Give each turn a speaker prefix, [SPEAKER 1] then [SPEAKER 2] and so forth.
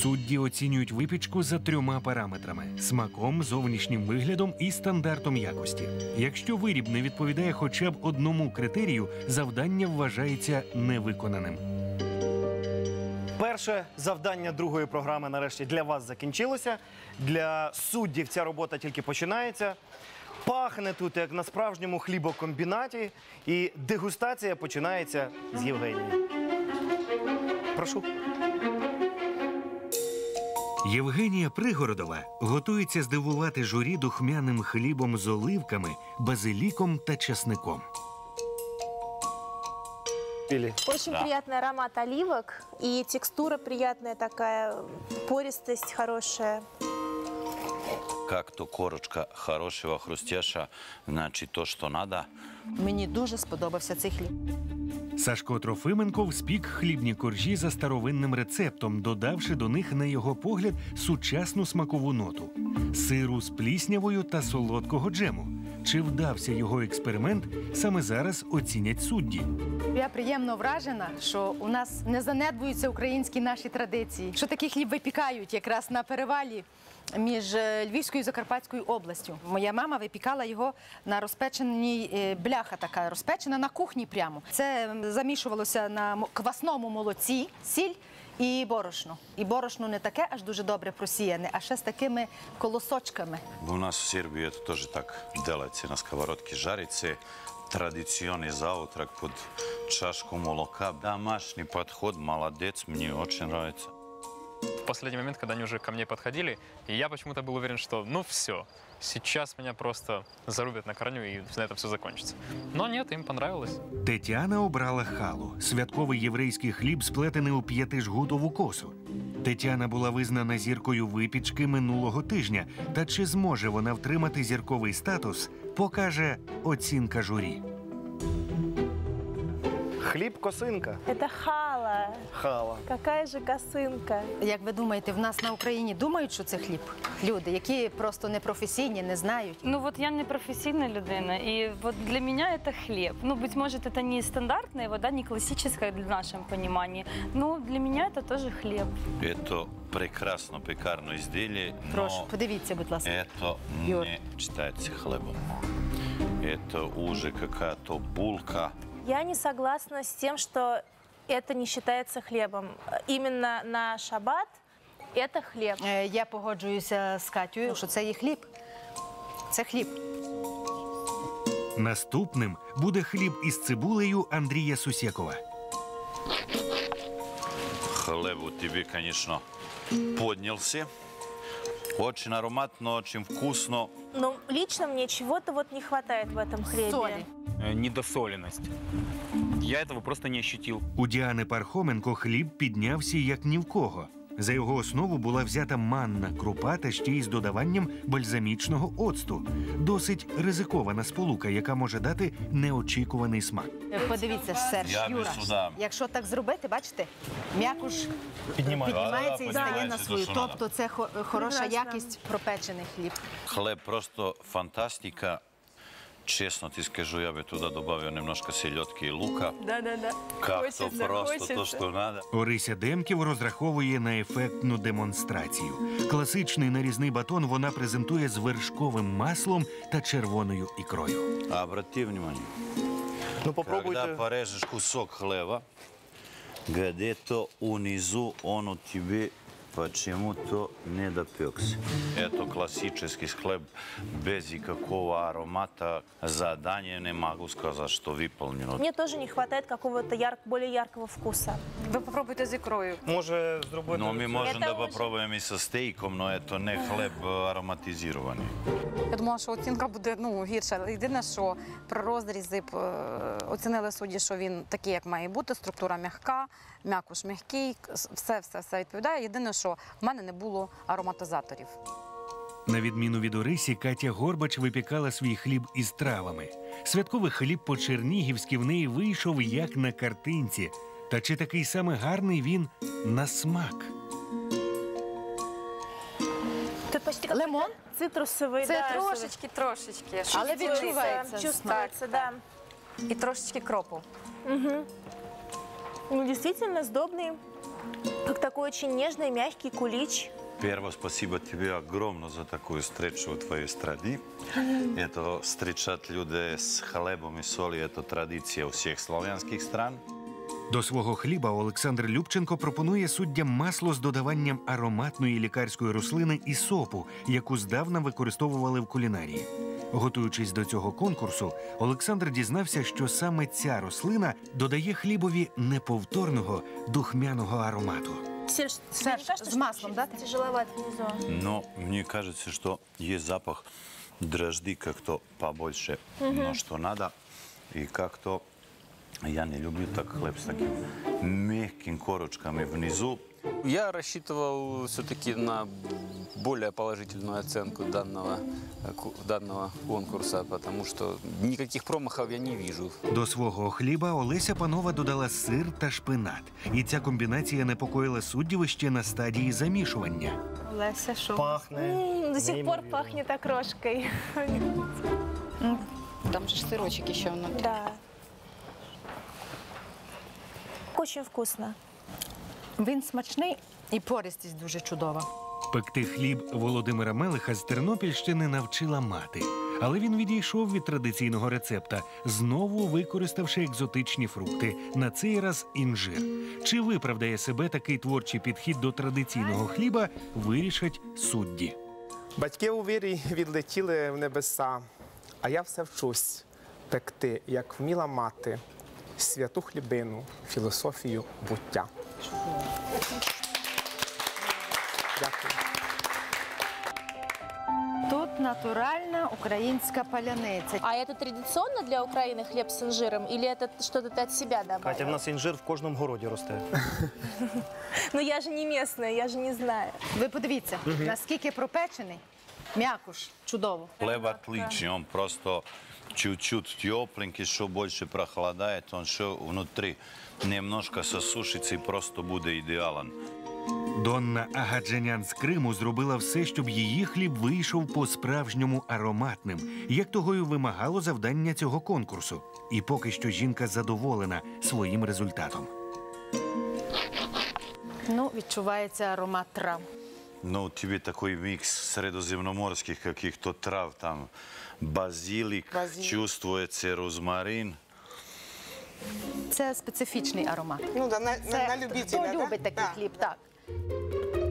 [SPEAKER 1] Судді оцінюють випічку за 3 параметрами – смаком, зовнішнім виглядом і стандартом якості. Якщо виріб не відповідає хоча б одному критерію, завдання вважається невиконаним.
[SPEAKER 2] Перше завдання другої програми нарешті для вас закінчилося. Для суддів ця робота тільки починається. Пахне тут, як на справжньому хлібокомбінаті. І дегустація починається з Євгенії. Прошу.
[SPEAKER 1] Євгенія Пригородова готується здивувати журі духмяним хлібом з оливками, базиліком та часником.
[SPEAKER 3] Очень приятный аромат оливок и текстура приятная такая, пористость хорошая.
[SPEAKER 4] Как то корочка хорошего, хрустяша, значит то, что надо.
[SPEAKER 5] Мені дуже сподобався цей хліб.
[SPEAKER 1] Сашко Трофименко спік хлібні коржі за старовинним рецептом, додавши до них, на його погляд, сучасну смакову ноту – сиру з пліснявою та солодкого джему. Чи вдався його експеримент, саме зараз оцінять судді.
[SPEAKER 5] Я приємно вражена, що у нас не занедбуються українські наші традиції, що такий хліб випікають якраз на перевалі між Львівською і Закарпатською областю. Моя мама випікала його на розпеченій, бляха така розпечена на кухні прямо. Це замішувалося на квасному молоці, сіль і борошно. І борошно не таке аж дуже добре просіяне, а ще з такими колосочками.
[SPEAKER 4] У нас в Сербии это тоже так делается, на сковородке жарится. Традиционный завтрак под чашку молока. Домашний подход, молодец, мне очень нравится.
[SPEAKER 6] В последний момент, когда они уже ко мне подходили, и я почему-то был уверен, что ну все, сейчас меня просто зарубят на корню и на этом все закончится. Но нет, им понравилось.
[SPEAKER 1] Тетяна обрала халу – святковий єврейський хліб, сплетений у 5-жгутову косу. Тетяна була визнана зіркою випічки минулого тижня. Та чи зможе вона втримати зірковий статус, покаже оцінка журі.
[SPEAKER 2] Хліб-косинка.
[SPEAKER 3] Это хала.
[SPEAKER 2] Хала.
[SPEAKER 3] Какая же косынка.
[SPEAKER 5] Як ви думаєте, в нас на Україні думають, що це хліб? Люди, які просто непрофесійні, не знають.
[SPEAKER 7] Ну вот я не профессийная людина, и вот для меня это хлеб. Ну, быть может, это не стандартное, вот, да, не классическое в нашем понимании, но для меня это тоже хлеб.
[SPEAKER 4] Это прекрасно пекарное изделие,
[SPEAKER 5] Прошу,
[SPEAKER 4] но
[SPEAKER 5] подивіться, будь ласка.
[SPEAKER 4] это
[SPEAKER 5] Юр.
[SPEAKER 4] не считается хлебом. Это уже какая-то булка.
[SPEAKER 3] Я не согласна с тем, что это не считается хлебом. Именно на шаббат это хлеб.
[SPEAKER 5] Я погоджуюся з Катєю, що це є хліб. Це хліб.
[SPEAKER 1] Наступним буде хліб із цибулею Андрія Сусєкова.
[SPEAKER 4] Хлеб у тебе, конечно, поднялся. Очень ароматно, очень вкусно.
[SPEAKER 3] Но лично мне чего-то вот не хватает в этом хлебе.
[SPEAKER 5] Солі.
[SPEAKER 8] Недосоленность. Я этого просто не ощутил.
[SPEAKER 1] У Діани Пархоменко хліб піднявся як ні в кого. За його основу була взята манна крупа та ще й з додаванням бальзамічного оцту. Досить ризикована сполука, яка може дати неочікуваний смак.
[SPEAKER 5] Подивіться, Серж,
[SPEAKER 4] Я
[SPEAKER 5] Юра,
[SPEAKER 4] би сюди.
[SPEAKER 5] якщо так зробити, бачите, м'якуш
[SPEAKER 2] Піднімається.
[SPEAKER 5] піднімається і
[SPEAKER 4] Да,
[SPEAKER 5] стає на
[SPEAKER 4] піднімається
[SPEAKER 5] свою.
[SPEAKER 4] то, що
[SPEAKER 5] Тобто це хороша
[SPEAKER 3] Прекрасно.
[SPEAKER 5] якість пропечений хліб.
[SPEAKER 4] Хлеб просто фантастика. Честно ти скажу, я бы туда добавил немножко селедки и лука.
[SPEAKER 7] Да-да-да.
[SPEAKER 4] Как-то просто то, что надо.
[SPEAKER 1] Орися Демків розраховує на ефектну демонстрацію. Класичний нарізний батон вона презентує з вершковим маслом та червоною ікрою.
[SPEAKER 4] Обрати внимание.
[SPEAKER 2] Ну попробуйте.
[SPEAKER 4] Когда порежешь кусок хлеба, где-то унизу он у тебя почему-то не допекся. Это классический хлеб без никакого аромата. Задание не могу сказать, что выполнено.
[SPEAKER 3] Мне тоже не хватает какого-то более яркого вкуса.
[SPEAKER 7] Ви попробуйте з ікрою.
[SPEAKER 2] Може зробити...
[SPEAKER 4] Но мы можем
[SPEAKER 3] Это
[SPEAKER 4] да
[SPEAKER 3] очень-
[SPEAKER 4] попробуем и со стейком, но это не хлеб ароматизированный.
[SPEAKER 9] Я думала, що оцінка буде гірша. Єдине, що при розрізі оцінили судді, що він такий, як має бути, структура м'яка, м'якуш м'який, все відповідає. Єдине, що в мене не було ароматизаторів.
[SPEAKER 1] На відміну від Орисі, Катя Горбач випікала свій хліб із травами. Святковий хліб по-чернігівськи в неї вийшов як на картинці. Та чи такий саме гарний він на смак?
[SPEAKER 3] Тут почти как
[SPEAKER 5] Лимон?
[SPEAKER 3] цитрусовый.
[SPEAKER 7] Це
[SPEAKER 3] да,
[SPEAKER 7] трошечки.
[SPEAKER 5] Але відчувається
[SPEAKER 3] чувствуется, да.
[SPEAKER 7] І трошечки кропу.
[SPEAKER 3] Ну, действительно сдобный. Как такой очень нежный, мягкий кулич.
[SPEAKER 4] Prvo, spasibo тебе огромно za такую встречу u tvojoj stradi. Eto, встречать людей з хлебом і солі – це традиція усіх славянських стран.
[SPEAKER 1] До свого хліба Олександр Любченко пропонує суддям масло з додаванням ароматної лікарської рослини і сопу, яку здавна використовували в кулінарії. Готуючись до цього конкурсу, Олександр дізнався, що саме ця рослина додає хлібові неповторного духмяного аромату.
[SPEAKER 3] Серж, тебе
[SPEAKER 5] Серж,
[SPEAKER 3] не кажется,
[SPEAKER 5] с маслом,
[SPEAKER 3] что
[SPEAKER 5] да,
[SPEAKER 3] чуть тяжеловато внизу?
[SPEAKER 4] Но мне кажется, что есть запах дрожжи как-то побольше, но что надо. И как-то я не люблю так хлеб с таким мягкими корочками внизу.
[SPEAKER 8] Я рассчитывал все-таки на более положительную оценку данного конкурса, потому что никаких промахов я не вижу.
[SPEAKER 1] До свого хліба Олеся Панова додала сир та шпинат. І ця комбінація непокоїла суддів ще на стадії замішування.
[SPEAKER 7] Леся, что?
[SPEAKER 2] Пахне.
[SPEAKER 3] До сих пор
[SPEAKER 2] неймовірно.
[SPEAKER 3] пахнет окрошкой.
[SPEAKER 9] Там же ж сирочок еще внутри.
[SPEAKER 3] Да. Очень вкусно.
[SPEAKER 5] Він смачний і пористість дуже чудова.
[SPEAKER 1] Пекти хліб Володимира Мелиха з Тернопільщини навчила мати. Але він відійшов від традиційного рецепта, знову використавши екзотичні фрукти, на цей раз інжир. Чи виправдає себе такий творчий підхід до традиційного хліба, вирішать судді.
[SPEAKER 10] Батьки у вірі відлетіли в небеса, а я все вчусь пекти, як вміла мати, святу хлібину, філософію буття. Дякую.
[SPEAKER 5] Тут натуральна українська паляниця.
[SPEAKER 3] А это традиционно для Украины хлеб с инжиром? Или это что-то ты от себя добавила?
[SPEAKER 2] Катя, в нас інжир в кожному городі росте.
[SPEAKER 3] Ну я же не местная, я же не знаю.
[SPEAKER 5] Ви подивіться, наскільки пропечений, м'якуш, чудово.
[SPEAKER 4] Хлеб отличный, он просто чуть-чуть тепленький, что больше прохладает, он что внутри немножко сосушится и просто будет идеален.
[SPEAKER 1] Донна Агаджанян з Криму зробила все, щоб її хліб вийшов по-справжньому ароматним, як того й вимагало завдання цього конкурсу. І поки що жінка задоволена своїм результатом.
[SPEAKER 5] Ну, відчувається аромат трав.
[SPEAKER 4] Ну, у тебя такой микс средоземноморских каких-то трав, там базилик, чувствуется розмарин.
[SPEAKER 5] Це специфічний аромат.
[SPEAKER 11] Ну да,
[SPEAKER 5] Це
[SPEAKER 11] на любителя,
[SPEAKER 5] хто
[SPEAKER 11] да?
[SPEAKER 5] любить такий
[SPEAKER 11] Да.
[SPEAKER 5] хліб, так.